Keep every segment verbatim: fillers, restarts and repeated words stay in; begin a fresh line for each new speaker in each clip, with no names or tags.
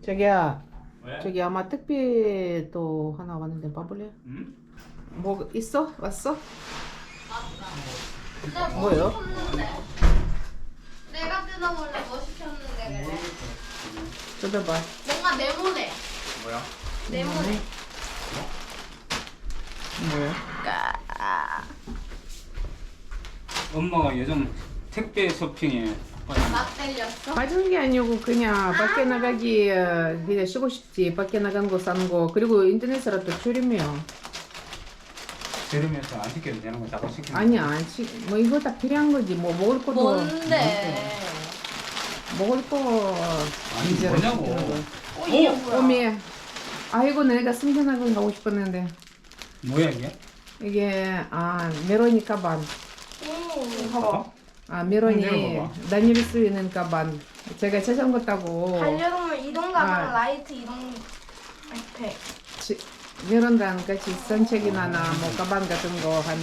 자기야,
왜?
저기 아마 택배 또 하나 왔는데 봐볼래?
응?
뭐 있어? 왔어?
내가 뭐
뭐예요?
시켰는데? 내가 뜯어볼래 뭐 시켰는데 그래?
뜯어봐.
뭔가 네모네.
뭐야?
네모네.
뭐야?
엄마가 요즘 택배 쇼핑에
맛 때렸어?
빠진 게 아니고 그냥 밖에 나가기 어, 그냥 쉬고 싶지. 밖에 나간 거 사는 거. 그리고 인터넷으로 또 줄이면
들으면서 안 시켜도 되는 거 자꾸 시키는
아니야. 안 시- 뭐 이거 다 필요한 거지. 뭐 먹을 것도
뭔데?
먹을 거
아니
이제
뭐냐고.
이런 거.
어 이게 뭐야?
오메. 아이고 내가 승전학원 가고 싶었는데
뭐야 이게?
이게 아 메로니 가방.
오.
봐봐.
아 메로니
내려봐봐.
다닐 수 있는 가방. 제가 자전거 타고
반려동물 이동 가방
아.
라이트 이동 백팩.
지- 메론랑 같이 산책이나 나 뭐 가방 같은 거 하나.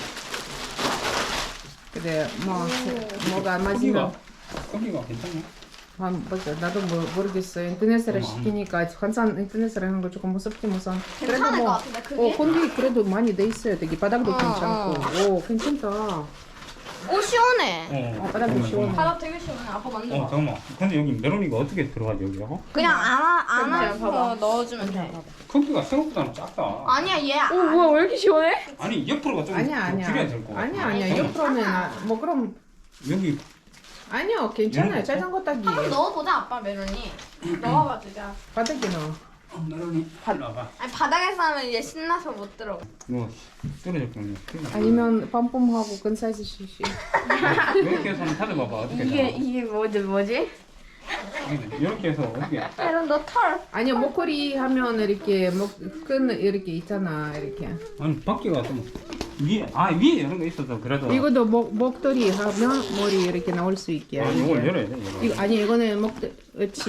그래 뭐 뭐가 안
크기가
맞으면
크기가 괜찮냐?
아, 맞아. 나도 뭐, 모르겠어. 인터넷으로
어머.
시키니까 항상 인터넷으로 하는 거 조금 무섭지 무선.
괜찮을 것 같은데 그게?
어, 공기 그래도 많이 돼 있어요. 되게 바닥도
어,
괜찮고. 오, 괜찮다.
오 시원해.
어, 바닥도
잠깐만,
시원해.
바닥 되게 시원해. 아빠
어
만져봐.
잠깐만. 근데 여기 메로니가 어떻게 들어가지 여기라고?
그냥 안아 안아서
봐봐.
넣어주면 돼.
크기가 생각보다는 작다.
아니야 얘.
오 뭐야 왜 이렇게 시원해?
아니 옆으로가 좀
아니야,
더
아니야.
줄여야 될 거 같아.
아니야, 아니야.
잠깐만.
옆으로는 아, 뭐 그럼
여기
아니요. 괜찮아요.
이런 거
자전거 타기.
한번 넣어보자 아빠 메론이. 넣어봐 주자.
바닥에 넣어.
어, 메로니 팔라봐.
아니 바닥에서 하면 얘 신나서 못 들어.
이거 떨어질 거네.
아니면 빰빰하고 큰 사이즈 시시.
이렇게 해서 한번 찾아봐봐. 어떻게
이게
되나?
이게 뭐지 뭐지?
이렇게 해서 어떻게?
메론 너 털.
아니요. 목걸이 하면 이렇게 목끈 이렇게 있잖아. 이렇게.
아니 밖에가 좀 위에 아 위에 이런 거 있어서 그래도
이것도 목 목도리 하면 머리 이렇게 나올 수 있게.
아, 이걸 열어야 돼. 이거.
이거 아니 이거는 목도 그렇지.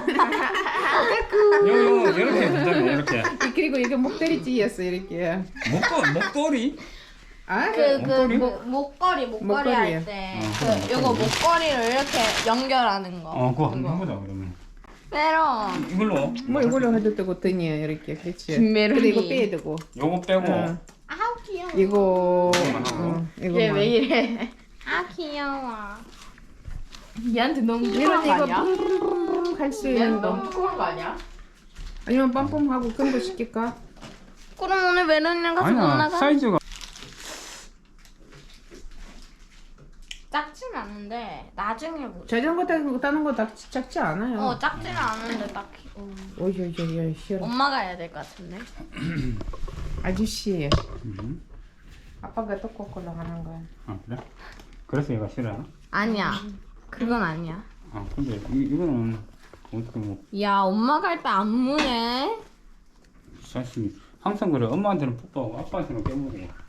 이거 이거 이렇게 된다며 이렇게
그리고 이게 목도리 찌였어 이렇게.
목도 목도리
아,
그
목걸이?
그 목걸이 목걸이
목걸이.
할 때
어,
그
그래,
요거
목걸이.
목걸이를 이렇게 연결하는 거.
어 그거 한번 해보자 그러면
메론.
이걸로
뭐 이걸로 해도 되고 등이 이렇게 그렇지.
김메론이.
근데 이거 빼야 되고.
요거 빼고
어,
아우 귀여워.
이거
이거만 하고.
어,
얘
이거만.
왜 이래?
아 귀여워.
얘한테 너무
이런
부끄러운 거
이거
아니야?
뿜뿜 할수
얘한테
있는
너무
거.
부끄러운 거 아니야?
아니면 빰빰하고 큰 거 시킬까?
그럼 오늘 메론이랑 같이 못
아니야
나가?
사이즈가
작진 않은데 나중에 뭐.
자전거 타는 거 타는 거 다 작지 않아요.
어 작지는 않은데 딱히. 어.
오이오이오이 싫어.
엄마가 해야 될 것 같은데.
아저씨,
음.
아빠가 떡볶이로 하는 거야.
아 그래? 그래서 얘가 싫어요?
아니야. 그건 아니야.
아 근데 이, 이거는 어떻게 뭐
야 엄마가 할 때 안 무네.
사실 항상 그래 엄마한테는 뽀뽀하고 아빠한테는 깨물고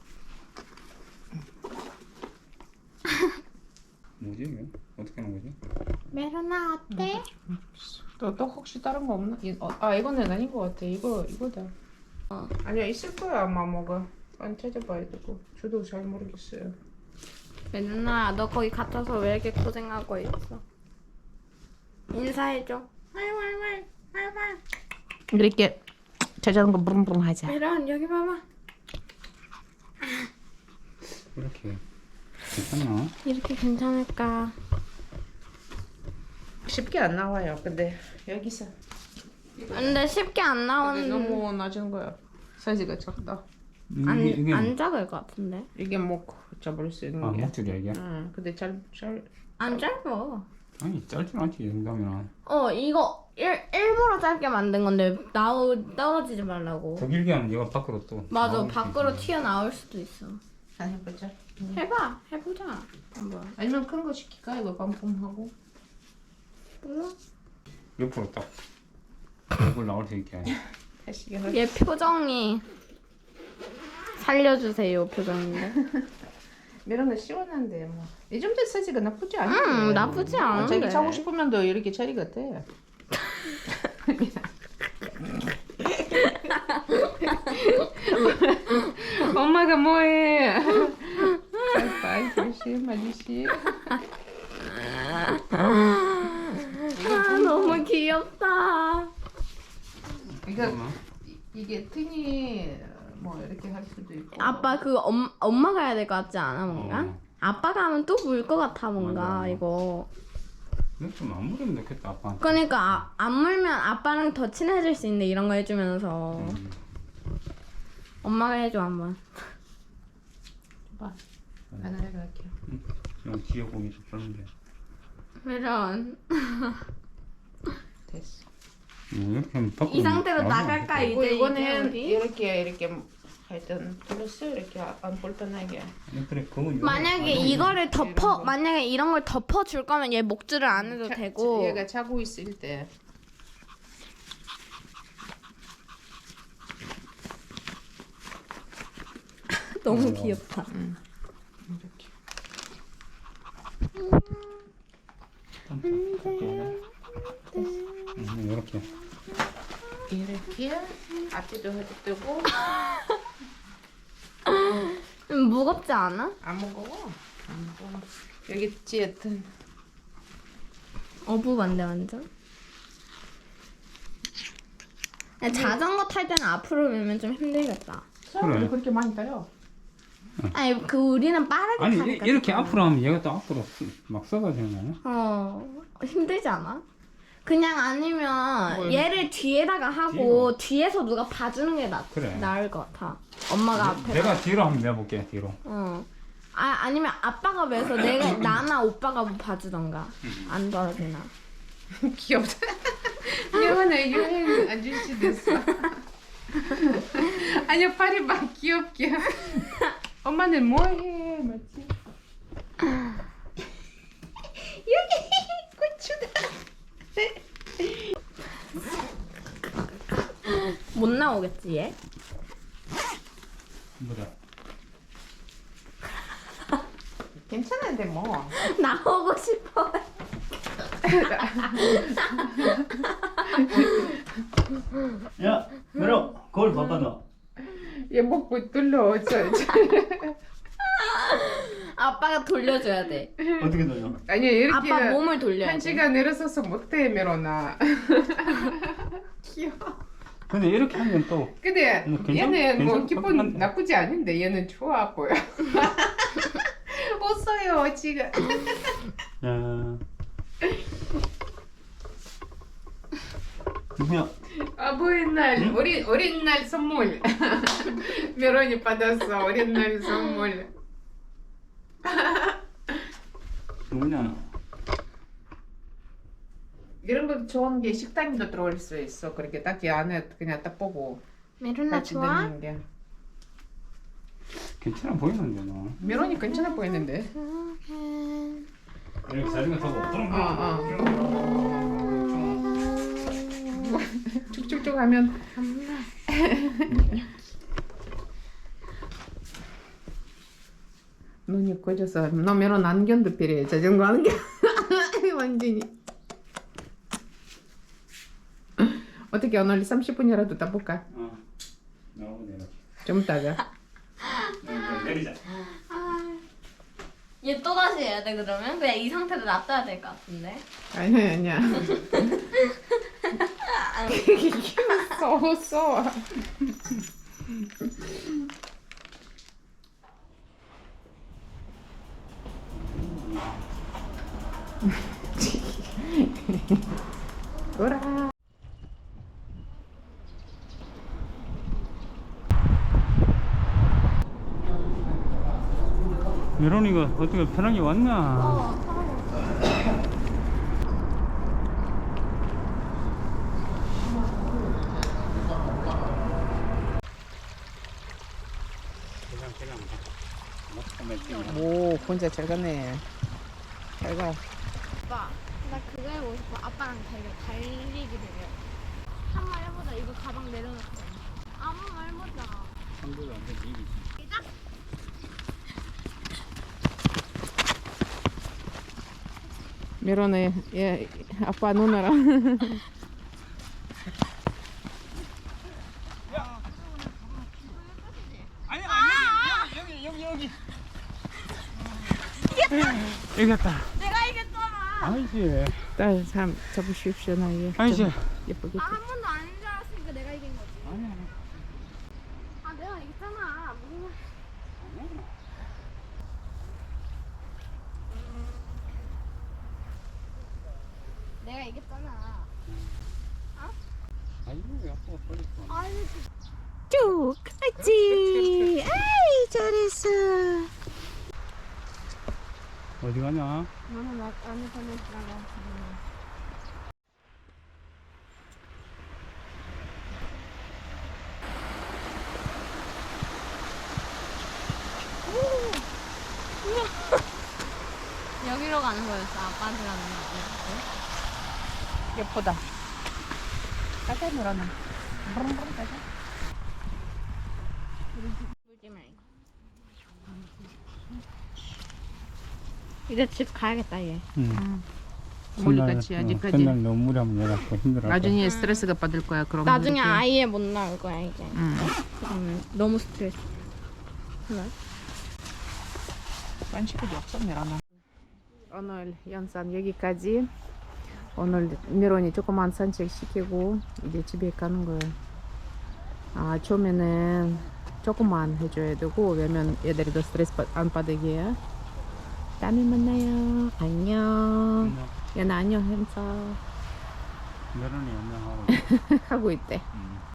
뭐지 이게? 어떻게 하는 거지?
메론아 어때?
또, 또 혹시 다른 거 없나? 이- 어, 아 이거는 아닌 것 같아. 이거 이거다.
어.
아니야 있을 거야 아마 뭐가. 안 찾아봐야 되고. 저도 잘 모르겠어요.
메론아 너 거기 갇혀서 왜 이렇게 고생하고 있어? 인사해줘. 왈왈왈 왈왈.
이렇게 자전거 부릉부릉 하자.
메론 여기 봐봐.
이렇게 괜찮나?
이렇게 괜찮을까?
쉽게 안 나와요. 근데 여기서.
근데 쉽게 안
근데
나오는.
너무 낮은 거야. 사이즈가 작다.
안,
이게 이게
안 작을 것 같은데.
이게 목 잡을 수 있는
아
게.
목줄이야 이게?
응. 근데 잘잘
안 짧아.
아니 짧진 않지 이 정도면
어 이거 일, 일부러 짧게 만든 건데 나오 떨어지지 말라고.
더 길게 하면 얘가 밖으로 또
맞아
나올 수
밖으로
있잖아.
튀어나올 수도 있어.
안 해보자.
해봐 해보자. 한번.
아니면 큰 거 시킬까? 이거 빰빰하고.
몰라.
옆으로 딱 얼굴 나올 수 있게
다시 해.
얘 표정이 살려주세요 표정인데.
이런 거 시원한데 뭐. 이 정도 사이즈가 나쁘지 않아.
음 나쁘지 않은데.
자기 자고 싶으면 더 이렇게 자리 같아. 엄마가 뭐해? 빨리 조심 아저씨.
아 너무 너무 귀엽다.
이거 이- 이게 튼이 뭐 이렇게 할 수도 있고.
아빠 그 엄, 엄마가 해야 될 것 같지 않아 뭔가?
어.
아빠가 하면 또 물 것 같아 뭔가
맞아.
이거.
근데 좀 안 물으면 좋겠다 아빠한테.
그러니까 아, 안 물면 아빠랑 더 친해질 수 있는데 이런 거 해주면서
음.
엄마가 해줘 한번.
봐. 하나 해갈게요.
그냥 뒤에 고기 좀 썰면 돼.
이런.
됐어.
음, 이렇게 하면 밖으로
이 상태로
나오면 안
나갈까
돼.
그리고
이제
이거는
이제 우리?
이렇게 이렇게 하여튼 플러스 이렇게 안 불편하게.
아니, 그래 그건 요거
만약에
아니면
이거를 덮어
거.
만약에 이런 걸 덮어 줄 거면 얘 목줄을 안 해도
자-
되고.
얘가 자고 있을 때
너무
어.
귀엽다.
이렇게.
음, 이렇게.
이렇게 앞뒤도 해도 뜨고
음, 무겁지 않아?
안 무거워. 안 무거워. 여기 찌읒은
어부반데 완전. 야, 자전거 탈 때는 앞으로 밀면 좀 힘들겠다.
사람들이 그렇게 많이 따요.
아니 그 우리는 빠르게
아니
타니까.
이- 이렇게
좀.
앞으로 하면 얘가 또 앞으로 막 썩어지는 거 아니야?
어 힘들지 않아? 그냥 아니면
뭘.
얘를 뒤에다가 하고 뒤에서 누가 봐주는 게 나,
그래.
나을 것 같아. 엄마가 앞에.
내가 뒤로 한번 내볼게 뒤로.
어. 아 아니면 아빠가 왜서 내가 나나 오빠가 뭐 봐주던가 안 떨어지나.
귀엽다. 예원아 유행 아저씨 됐어. 아니야 팔이 막 귀엽게. 엄마는 뭐해 맞지? 여기 고추다.
못 나오겠지 얘?
보자.
괜찮은데 뭐.
나오고 싶어.
야, 메로 거울 바꿔 놔.
얘 먹고 뚫려 저, 저.
아빠가 돌려줘야 돼.
어떻게 돌려?
아니 이렇게
아빠 몸을 돌려야
한
돼.
시간 내려서서 못해 메로나. 귀여워.
근데 이렇게 하면 또
근데
뭐 괜찮-
얘는 뭐
괜찮을 것
기분
같은데.
나쁘지 않은데 얘는 좋아 보여. 웃어요 지금.
야,
누구야?
아버의 날 어린 어린 날 선물. 메론이 받았어 어린 날 선물.
누구냐?
이런 거 좋은 게 식당도 들어올 수 있어. 그렇게 딱히 안에 그냥 딱 보고
메루나
같이
좋아?
다니는 게.
괜찮아 보이는데 너.
메론이 괜찮아 보이는데.
이렇게 자전거 타고 뚱
어, 쭉쭉쭉 하면 눈이 꺼져서 너 메론 안경도 필요해. 자전거 안경. 완전히. 어떻게 오늘 삼십 분이라도 따볼까?
어. 나오고 내려.
좀 이따가.
내리자.
얘 또 다시 해야 돼 그러면? 그냥 이 상태로 놔둬야 될 것 같은데.
아니야 아니야. 귀여워 웃어. 돌아.
메론이가 어떻게 편하게 왔나?
어.
오 혼자 잘 가네. 잘 가.
아빠, 나 그거 해보고 싶어. 아빠랑 달려, 달리기 대결. 한 번 해보자. 이거 가방 내려놓고. 아무 말 해보자.
상대가 안 돼, 이기지.
시작.
메론의 얘 아빠 누나랑.
아니 아니 여기 여기 여기 여기. 이겼다.
내가 이겼잖아.
아니지.
딸 사람 잡으십시오 나이.
아니지.
예쁘게.
아, 한 번도 아닌 줄 알았으니까 내가 이긴 거지.
아니야.
아, 내가 이겼잖아. 무슨 말. 내가 이겼잖아.
아이고, 아빠가 버렸어.
아니,
쭉 갔지. 아이 잘했어.
어디 가냐?
너는 나 안에 보내주라고. 여기로 가는 거였어. 아빠한테 가는 거.
예쁘다. 가자 놀아나. 가자.
물지 말고. 이제 집 가야겠다 얘.
응.
멀리까지
전날,
아직까지.
어, 전날 너무 무리하면 얘가 또 힘들어.
나중에 스트레스가 받을 거야. 그럼
나중에
이렇게.
아예 못 나올 거야 이제.
응.
그러면 너무 스트레스. 그래?
반식이 없어 미라나. 오늘 영상 여기까지. 오늘 미론이 조그만 산책 시키고 이제 집에 가는 거예요. 아 처음에는 조금만 해줘야 되고 왜냐면 애들이 더 스트레스 받- 안 받게. 다음에 만나요. 안녕. 연아 안녕 행사
메론이 연명하고
하고 있대.
응.